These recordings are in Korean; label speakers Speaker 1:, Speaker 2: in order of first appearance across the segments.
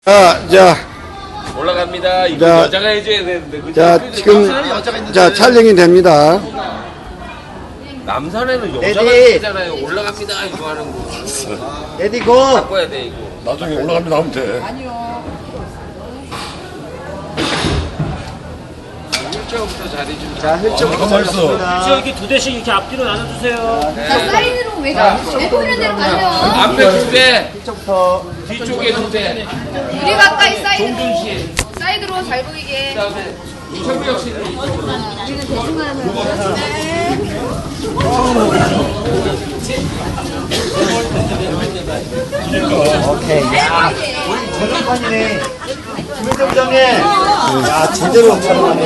Speaker 1: 자,
Speaker 2: 올라갑니다. 이거
Speaker 1: 자,
Speaker 2: 여자가 해줘야 되는데. 그치?
Speaker 1: 자, 지금, 자, 촬영이 됩니다.
Speaker 2: 남산에는 여자가
Speaker 3: 레디.
Speaker 2: 있잖아요. 올라갑니다. 이거 하는 거.
Speaker 3: 레디 고!
Speaker 2: 바꿔야 돼, 이거.
Speaker 4: 나중에 올라갑니다 하면 돼.
Speaker 2: 1차부터 자리 좀.
Speaker 3: 자, 힐쪽부터
Speaker 4: 가만히 있어.
Speaker 3: 잡습니다.
Speaker 5: 이렇게 두 대씩 이렇게 앞뒤로 나눠주세요.
Speaker 6: 자, 사이드로 왜 보이는 대로 가세요.
Speaker 2: 앞에 두 대,
Speaker 3: 힐쪽부터.
Speaker 2: 뒤쪽에 두 대.
Speaker 6: 우리 가까이 사이드로.
Speaker 2: 종준 씨.
Speaker 6: 사이드로 잘 보이게.
Speaker 2: 그다음에 이철구역 씨.
Speaker 6: 우리는 대충 하면.
Speaker 3: 오케이. 야, 전판이네. 김현정 부장님. 야, 제대로 촬영하네.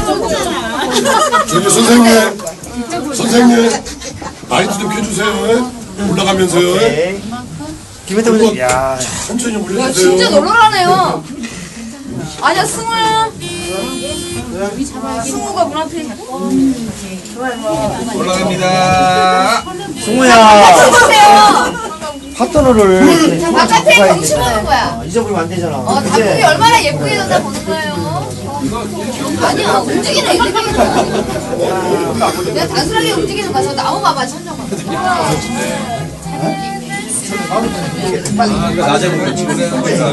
Speaker 4: 저기 선생님 라이트 좀 켜주세요. 올라가면서요.
Speaker 3: 오케이. 김현정 부장님. 야,
Speaker 4: 천천히
Speaker 6: 야,
Speaker 4: 올려주세요.
Speaker 6: 진짜 놀라라네요. 아니야, 승우야. 승우가 문 앞에.
Speaker 2: 올라갑니다.
Speaker 3: 승우야.
Speaker 6: 보세요.
Speaker 3: 파트너를.
Speaker 6: 자, 바깥에 경치 보는 거야.
Speaker 3: 잊어버리면 안 되잖아.
Speaker 6: 단풍이
Speaker 3: 그치?
Speaker 6: 얼마나 예쁘게 던다 보는 거예요. 아니야, 움직이네, 이렇게. 내가 단순하게 움직이는 거야. 저 나무 봐봐, 천정 봐.
Speaker 2: 낮에 보면 지금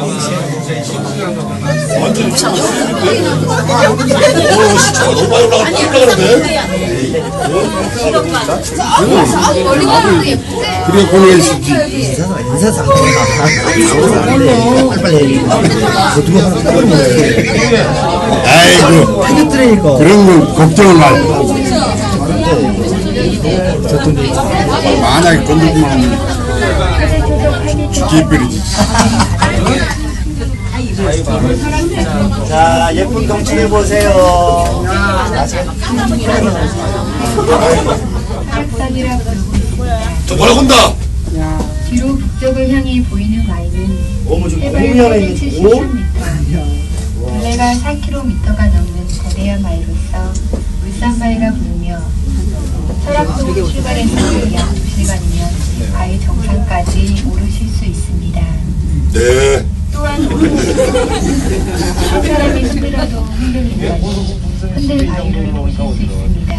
Speaker 4: 너무 많이 올라가는데?
Speaker 6: 저기 멀리 가는 거 예쁜데.
Speaker 1: 그래, 보내주지.
Speaker 3: 인사상. 빨리빨리. 누가 하나 따버리네.
Speaker 1: 아이고,
Speaker 3: 패드트레이니까.
Speaker 1: 그런 건 걱정을 말고. 만약에 건들면 죽여버리지.
Speaker 3: 자, 예쁜 경치 해보세요.
Speaker 4: 저 뭐라고 한다?
Speaker 7: 뒤로 북쪽을 향해 보이는 와인은
Speaker 3: 너무 좀
Speaker 7: 해발
Speaker 3: 공연에 있는
Speaker 7: 73m, 둘레가 4km가 넘는 거대한 바위로서 물산바위가 부르며 설악도로 출발해서 약 2시간이면 바위 정상까지 오르실 수 있습니다.
Speaker 4: 네.
Speaker 7: 또한 한 사람이 흔들어도 흔들리는 흔들 바위를 보실 수 있습니다.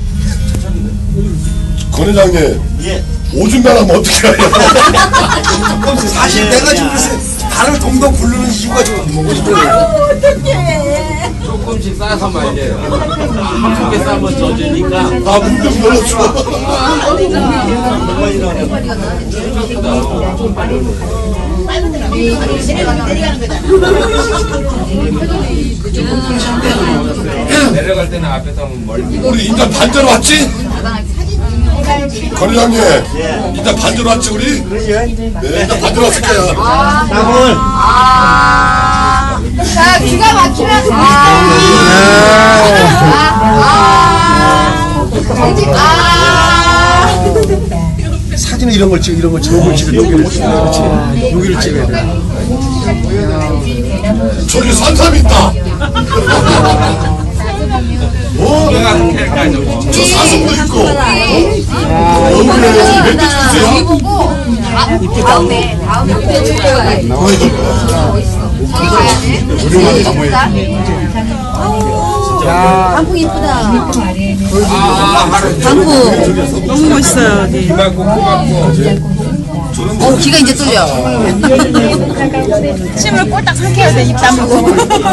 Speaker 4: 권 회장님.
Speaker 3: 예.
Speaker 4: 오줌 나가면 어떻게 해요?
Speaker 3: 사실 내가 지금 그래서 발을 동동 굴르는 이유가 좀
Speaker 2: 조금씩 싸서 말려요. 크게 싸면 젖으니까.
Speaker 4: 아, 문좀 열어줘.
Speaker 2: 내려갈 때는 앞에서 하면 멀리.
Speaker 4: 우리 일단 반대로 왔지? 권 회장님. 일단 반대로 왔지, 우리? 네, 일단 반대로 왔을 거야.
Speaker 3: 나물.
Speaker 6: 자, 기가 막히면
Speaker 3: 사진은 이런 걸 찍어, 이런 걸 찍어, 여기를 찍어, 그렇지. 여기를 찍어야 돼.
Speaker 4: 저기 산삼 있다. 저 사슴도 있고.
Speaker 6: 여기 보고 다음에 무대 찍어야 돼. 저기 가야 돼.
Speaker 1: 우리만 담아야지.
Speaker 6: 단풍 이쁘다.
Speaker 5: 너무 멋있어요, 여기.
Speaker 6: 귀가 이제 뚫려.
Speaker 5: 침을 꼴딱 삼켜야 돼, 입 다물고.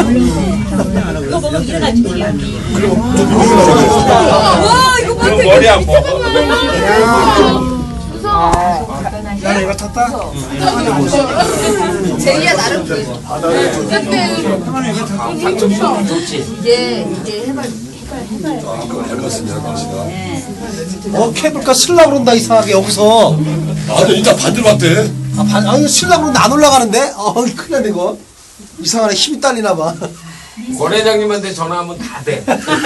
Speaker 2: 그럼 머리 아파.
Speaker 3: 나는 이거 탔다?
Speaker 6: 제이야 나름 근데 이제 해발
Speaker 3: 케이블카 쓸라 그런다, 이상하게, 여기서.
Speaker 4: 아, 근데 일단 반대로 왔대.
Speaker 3: 아니, 쓸라 그러는데 안 올라가는데? 큰일 났네, 이거. 이상하네, 힘이 딸리나봐.
Speaker 2: 권 회장님한테 전화하면 다 돼.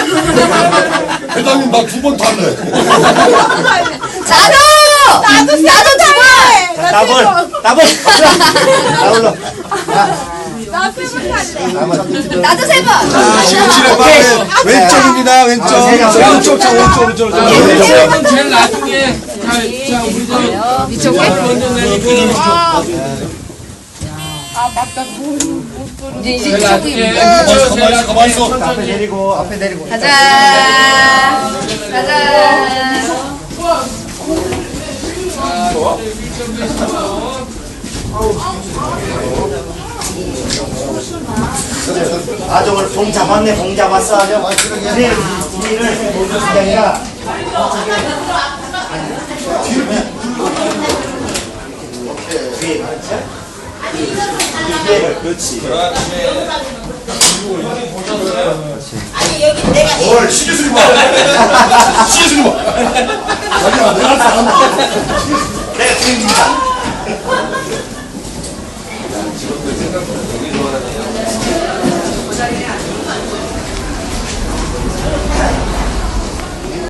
Speaker 4: 회장님, 나 2번 탈래.
Speaker 6: 나도 두 번.
Speaker 3: 나벌! 나올라.
Speaker 6: 나도 세 번.
Speaker 3: 왼쪽입니다, 왼쪽. 오른쪽.
Speaker 2: 회장님은 제일 나중에. 자, 우리 저
Speaker 6: 이쪽에.
Speaker 2: 먼저 내리고.
Speaker 6: 이제
Speaker 2: 내가
Speaker 6: 이쪽이
Speaker 2: 할게.
Speaker 4: 가만히 있어.
Speaker 3: 앞에 내리고 앞에 내리고.
Speaker 6: 가자. 가자.
Speaker 8: 아주 오늘 봉 잡았네, 봉 잡았어. 아주. 근데 뒤를 보여주는 게 아니라 뒤에 이게를 그렇지.
Speaker 4: 뭘 신경 쓰지 마. 신경 쓰지 마. 자기야 내가 잘한다.
Speaker 8: 내가 드립니다.